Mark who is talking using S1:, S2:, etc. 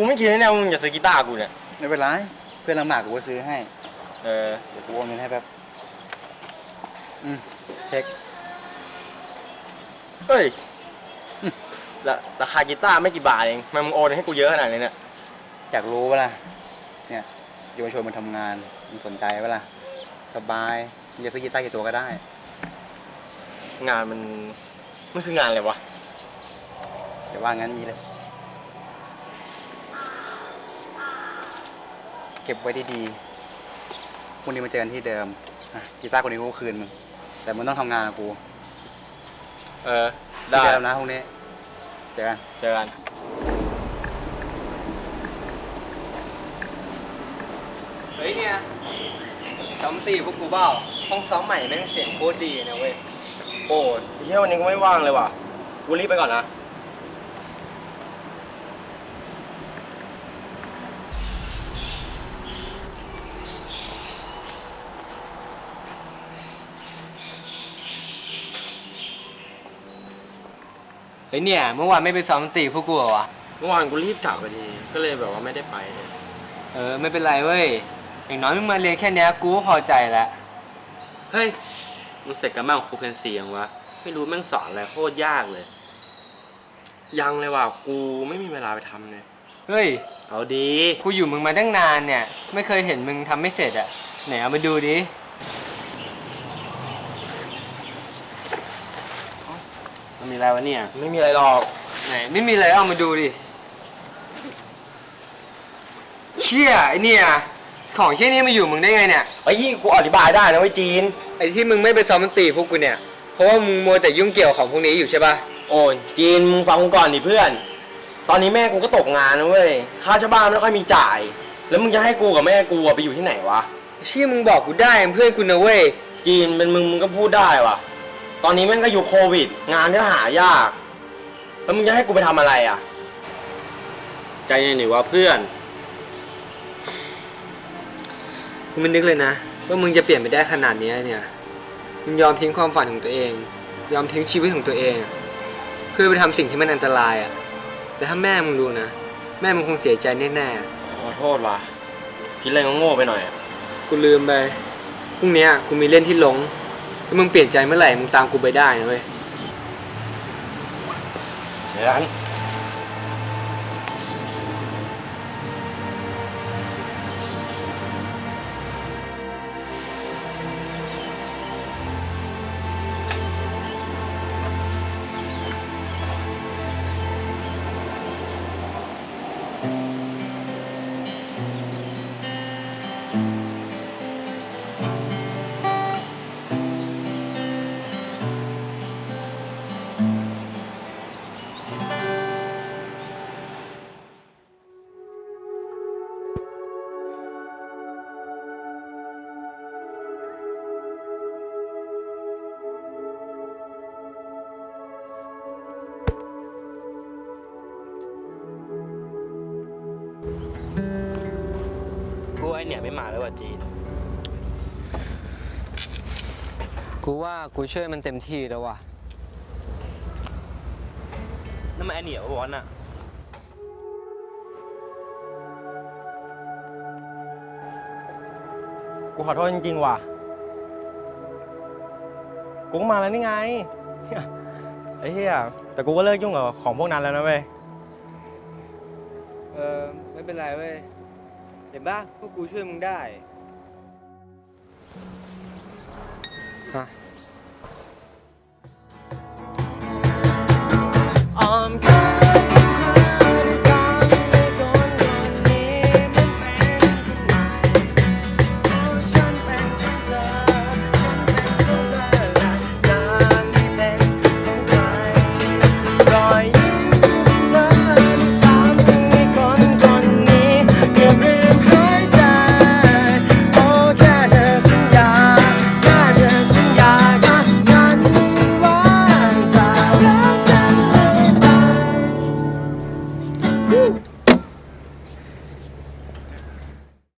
S1: ไม่คิดแน่ๆมึงจะซื้อกีตาร์กูเนี่ย
S2: ไม่เป็นไรเพื่อนลำบากกูก็ซื้อให้
S1: เ
S2: ดี๋ยวกูโอนเงินให้แป๊บเช็ค
S1: เฮ้ยราคากีตาร์ไม่กี่บาทเองมึงโอนให้กูเยอะขนาดนี้เนี่ย
S2: อยากรู้ปะล่ะเนี่ยเยาวชนมันทำงานมันสนใจปะล่ะสบายมึงจะซื้อกีตาร์กี่ตัวก็ได้
S1: งานมันคืองานอะไรวะ
S2: เดี๋ยวว่างั้นนี้เลยเก็บไว้ดีๆพรุ่งนี้มาเจอกันที่เดิมกีตาร์คนนี้กูคืนมึงแต่มึงต้องทำงานกับกู
S1: ได้
S2: ที่เดิมนะพรุ่งนี้เจอกัน
S3: เฮ้ยเนี่ยซ้อมตีพวกกูเปล่าห้องซ้อมใหม่แม่งเสียงโคตรดีนะเว้ย
S1: โอ้ยเฮ้ยวันนี้กูไม่ว่างเลยว่ะกูรีบไปก่อนนะ
S3: เฮ้ยเนี่ยเมื่อวานไม่ไปซ้อมตีพวกกูเหรอวะ
S1: เมื่อวานกูรีบกลับพอดีก็เลยแบบว่าไม่ได้ไป
S3: ไม่เป็นไรเว้ยอย่างน้อยมึงมาเรียนแค่นี้กูก็พอใจแล้ว
S1: เฮ้ยมึงเสร็จกันบ้างครูเพนเสียงวะไม่รู้แม่งสอนอะไรโคตรยากเลยยังเลยว่ะกูไม่มีเวลาไปทำเลย
S3: เฮ้ย
S1: เอาดี
S3: กูอยู่มึงมาตั้งนานเนี่ยไม่เคยเห็นมึงทำไม่เสร็จอะไหนเอามาดูดิ
S1: มันมีอะไรวะเนี่ยไม่มีอะไรหรอก
S3: ไหนไม่มีอะไรเอามาดูดิเชี่ยไอเนี่ยของเชี่ยนี่มาอยู่มึงได้ไงเนี่ย
S1: ไอ้ยี่กูอธิบายได้นะเว้ยจีน
S3: ไอที่มึงไม่ไปซ้อมดนตรีพวกกูเนี่ยเพราะว่ามึงมัวแต่ยุ่งเกี่ยวของพวกนี้อยู่ใช่ป่ะ
S1: โอ้ยจีนมึงฟังกูก่อนดิเพื่อนตอนนี้แม่กูก็ตกงานนะเว้ยค่าเช่าบ้านไม่ค่อยมีจ่ายแล้วมึงจะให้กูกับแม่กูไปอยู่ที่ไหนวะ
S3: เชี่ยมึงบอกกูได้เพื่อนกูนะเว้ย
S1: จีนเป็นมึงก็พูดได้วะตอนนี้แม่งก็อยู่โควิดงานก็หายากแล้วมึงจะให้กูไปทำอะไรอ่ะใจเย็นหนิวะเพื่อน
S3: กูไม่นึกเลยนะว่ามึงจะเปลี่ยนไปได้ขนาดนี้เนี่ยมึงยอมทิ้งความฝันของตัวเองยอมทิ้งชีวิตของตัวเองเพื่อไปทำสิ่งที่มันอันตรายอ่ะแต่ถ้าแม่มึงรู้นะแม่มึงคงเสียใจแน่
S1: ๆขอโทษว่ะคิดอะไรโง่ไปหน่อย
S3: กูลืมไปพรุ่งนี้กูมีเล่นที่หลงถ้ามึงเปลี่ยนใจเมื่อไหร่มึงตามกูไปได้นะเว้ย
S1: เดี๋ยวนั้นไอเนี่ยไม่มาแล้วว่ะจีน
S3: กูว่ากูช่วยมันเต็มที่แล้วว่ะ
S1: นั่นมันไอเนี่ยวอนอ่ะกูขอโทษจริงๆว่ะกูก็มาแล้วนี่ไงไอ้เหี้ยแต่กูก็เลิกยุ่งกับของพวกนั้นแล้วนะเว้ย
S3: ไม่เป็นไรเว้ยเห็นป่ะพวกกูช่วยมึงได้อ้อมก